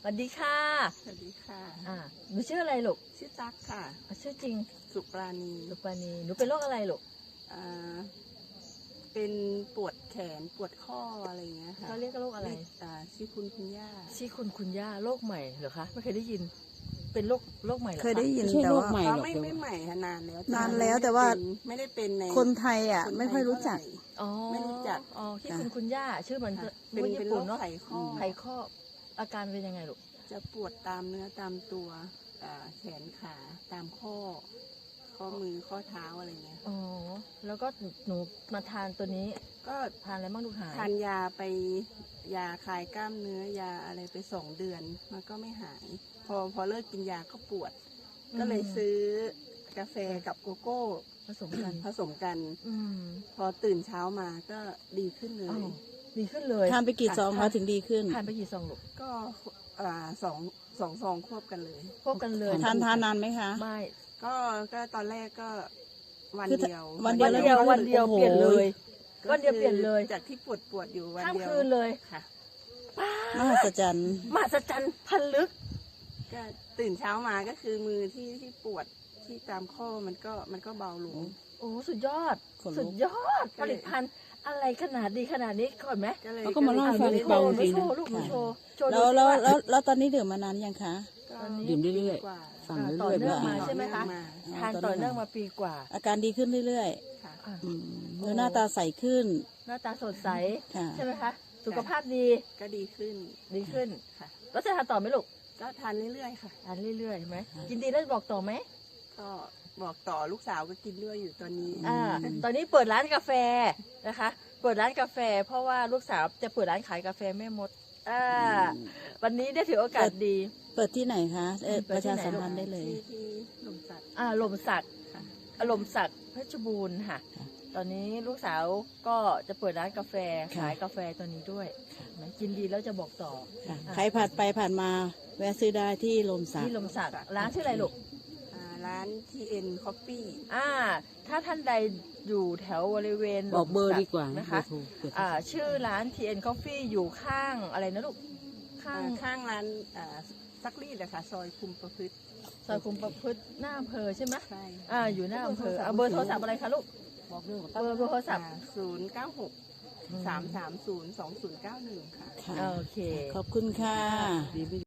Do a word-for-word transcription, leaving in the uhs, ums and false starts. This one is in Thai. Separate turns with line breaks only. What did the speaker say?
สวัสดีค่ะ
สวัสดีค่ะ
อ่าหนูชื่ออะไรลูก
ชื่อตั๊กค่ะ
อ่ะชื่อจริง
สุปราณี
สุปราณีหนูเป็นโรคอะไรลูก
อ่าเป็นปวดแขนปวดข้ออะไรอย่างเงี้ยค่ะ
เขาเรียกโรคอะไร
เยกอ่าชื่อคุณคุณย่า
ชื่อคุณคุณย่าโรคใหม่เหรอคะไม่เคยได้ยิน เป็นโรคโรคใหม่เหรอคะ
เคยได้ยิน
ไม่ใช่
แต่
โรค
ว่า
ใหม่
อ๋อ
หรอก
ไม่
เดี๋ยว
ไม่ใหม่ค่ะนานแล้ว
นานแล้วแต่ว่า
ไม่ได้เป็นใน
คนไทยอ่ะ
คนทย
ไม่ค่อยรู้จัก
เท่าไห
อ๋อ
ไม่รู้จัก
อ๋อที่
ค่ะ
คุณคุณย่าชื่อเหมือน
ค่ะ
พูด
เป็น
ญี่
เป็น
ปุ่น
โรค
เนาะ
ไขข้อ
ไขข้ออาการเป็นยังไงลูก
จะปวดตามเนื้อตามตัวอ่าแขนขาตามข้อ ข้อมือข้อเท้าอะไรเงี้ย
อ๋อแล้วก็หนูมาทานตัวนี้
ก็
ทานอะไรบ้างลูกหาย
ทานยาไปยาคลายกล้ามเนื้อยาอะไรไปสองเดือนมันก็ไม่หาย พอพอเลิกกินยาก็ปวด ก็เลยซื้อกาแฟกับโกโก้
ผสมกัน
ผสมกัน
อืม
พอตื่นเช้ามาก็ดีขึ้นเล
อ้าวย ดีขึ้นเลย
ทานไปกี่ซองคะถึงดีขึ้น
ทานไปกี่ซองลูก
ก็อ่าสองสองซองควบกันเลย
พบกันเลย
ทานทานนานไหมคะ
ไม่
ก็ก็ตอนแรกก็วัน
คือ
เดียว
วัน
วัน
แล้
เดียว
ก็
วันเดียว
โอ้โห
เปลี่ยนเลย
ก็
วันเดียวเปลี่ยนเลย
จากที่ปวดปวดอยู่วัน
ข้าม
เดียว
คืนเลย
ค่ะ
มหัศจรรย์
มหัศจรรย์พันลึก
ก็ตื่นเช้ามาก็คือมือที่ที่ปวดที่ตามข้อมันก็มันก็เบาลง
โอ้สุดยอด
ขนลุก
สุดยอดผลิตภัณฑ์อะไรขนาดดีขนาดนี้ก่อนไหม
ก็เลย
เขาก็มาเล่าให้ฟัง
หนู
เบา
โชว์หนู
จริง
โช
นะ
ว์ลูกหนูโชว์โชว์
แล้ว
ดู
แล้ว
สิา
แล้วแล้วตอนนี้ดื่มมานานยังคะ
ก็
ตอนนี้
ดื่มเรื่อย
กว่า
ๆสั่ง
ต่อ
เรื่อยๆ
เนื่อง
เพื่อ
มา
อ่าน
ใช่ไหมคะ
มา
ทานต่อเนื่องมาปีกว่า
อาการดีขึ้นเรื่อย
ค่ะ
อ่ะ
ๆอืมเนื้อหน้าตาใสขึ้น
หน้าตาสดใส
ค่ะ
ใช่ไหมคะสุขภาพดี
ก็ดีขึ้น
ดีขึ้น
ค่ะ
แล้วจะทานต่อไหมลูก
ก็ทานเรื่อยๆค่ะ
ทานเรื่อยๆใช่ไหมกินดีแล้วบอกต่อไหม
ก็บอกต่อลูกสาวก็กินด้วยอยู่ตอนนี้
อ่าตอนนี้เปิดร้านกาแฟนะคะ เปิดร้านกาแฟ เพราะว่าลูกสาวจะเปิดร้านขายกาแฟแม่มดอ่าวันนี้ได้ถือโอกาสดี
เปิดที่ไหนคะเอ่อ
เปิ
ป
ด
ระ
ที่
ชา
ไหน
สัมพันธ์ได้เลย
ที่ที่หลุมสัตว์
อ่าลมศักดิ์
ค่ะ
อารมณ์ศักดิ์เพชรบูรณ์ค่ะ
ค่ะ
ตอนนี้ลูกสาวก็จะเปิดร้านกาแฟ
ค่ะ
ขายกาแฟตัวนี้ด้วยนะกินดีแล้วจะบอกต่อ
ค่ะ
อ่ะ
ใครผ่านไปผ่านมาแวะซื้อได้ที่ลมสัก
ที่ลมศักดิ์ร้านชื่ออะไรลูก
อ่าร้าน ที เอ็น Coffee
อ่า ถ้าท่านใดอยู่แถวบริเวณ
บอกเบอร์ดีกว่า
นะ
นะคะ คะ
อ่า ชื่อร้าน ที เอ็น Coffee อยู่ข้างอะไรนะลูก ข้า
อ่าง ข้างร้านอ่าซักรีดนะคะซอยคุมประพฤติ
ซอยคุมประพฤติหน้าอำเภอใช่ไหม
ใช่
อ่า อยู่หน้าอำเภอเอาเบอร์โทรศัพท์อะไรคะลูก
บอกเรื่อง
เบอร์เบอร์โทรศัพท์
ศูนย์เก้าหกสามสามศูนย์สองศูนย์เก้าหนึ่งค่ะ
ค่ะ
โอเค
ขอบคุณค่ะ
ดีไม่